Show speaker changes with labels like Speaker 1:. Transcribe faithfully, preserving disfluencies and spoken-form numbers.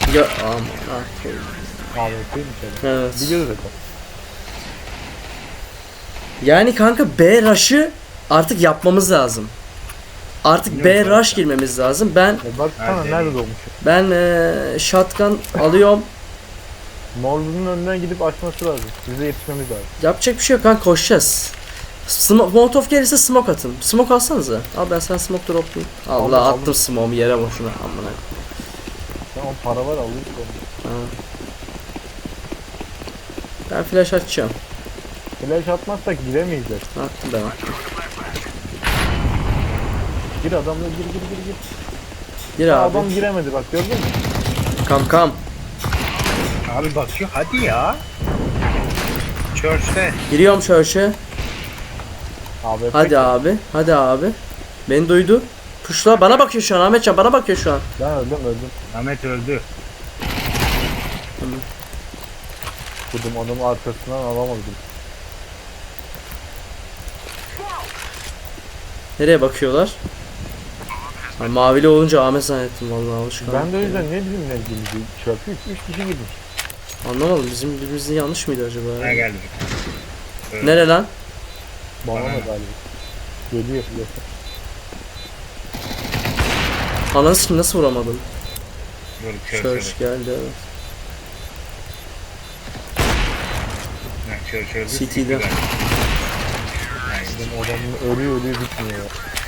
Speaker 1: Ya aman ah.
Speaker 2: Abi değil mi senin?
Speaker 1: Evet.
Speaker 2: Biliyoruz zaten.
Speaker 1: Yani kanka B rush'ı artık yapmamız lazım. Artık B
Speaker 3: Biliyorum
Speaker 1: rush
Speaker 3: zaten.
Speaker 1: girmemiz lazım. Ben
Speaker 2: E bak sana
Speaker 3: Hadi.
Speaker 2: nerede doğmuş?
Speaker 1: ben ee, shotgun alıyorum.
Speaker 2: Morlu'nun önünden gidip açması lazım. Bize yetişmemiz lazım.
Speaker 1: Yapacak bir şey yok kanka, koşacağız. Smoke, Molotov gelirse smoke atın. Smoke alsanıza. Al ben sen smoke droplayayım. Allah
Speaker 2: Aldım,
Speaker 1: attım
Speaker 2: aldım.
Speaker 1: smoke'u yere boşuna. Amına.
Speaker 2: Tamam para var alırız onu.
Speaker 1: Ha. Ben flash açacağım.
Speaker 2: Flash atmazsak giremeyeceğiz.
Speaker 1: Attım ben attım.
Speaker 2: Gir adamla gir gir gir gir.
Speaker 1: Gir
Speaker 2: Ha,
Speaker 1: abi.
Speaker 2: adam giremedi bak gördün mü?
Speaker 1: Kam kam.
Speaker 3: Abi bakıyor hadi ya. Church'te.
Speaker 1: Giriyorum church'e.
Speaker 2: Abi
Speaker 1: Hadi
Speaker 2: peki.
Speaker 1: abi. Hadi abi. Beni duydu. Puşla bana bakıyor şu an, Ahmetcan bana bakıyor şu an.
Speaker 2: Ben öldüm öldüm.
Speaker 3: Ahmet öldü.
Speaker 2: Kudum adamı arkasından alamadım.
Speaker 1: Nereye bakıyorlar? Ha, mavili olunca Ahmet zannettim vallahi alışkanlık.
Speaker 2: Ben de o yüzden ne bileyim ne bileyim şey yapıyor. üç kişi girmiş.
Speaker 1: Anlamadım, bizim birbirimizin yanlış mıydı acaba?
Speaker 3: Ha
Speaker 1: Ya?
Speaker 3: geldi. Evet.
Speaker 1: Nere lan?
Speaker 2: Bana
Speaker 3: Bana
Speaker 2: da
Speaker 3: ne?
Speaker 2: galiba. Geliyor yakın.
Speaker 1: Ananı sikim nasıl vuramadım?
Speaker 3: Dur
Speaker 1: Church
Speaker 3: Church.
Speaker 1: geldi evet.
Speaker 3: Ha, Church öldü.
Speaker 1: City'de.
Speaker 3: Aynen.
Speaker 2: Benim adamın ölüyor ölüyor bitmiyor ya.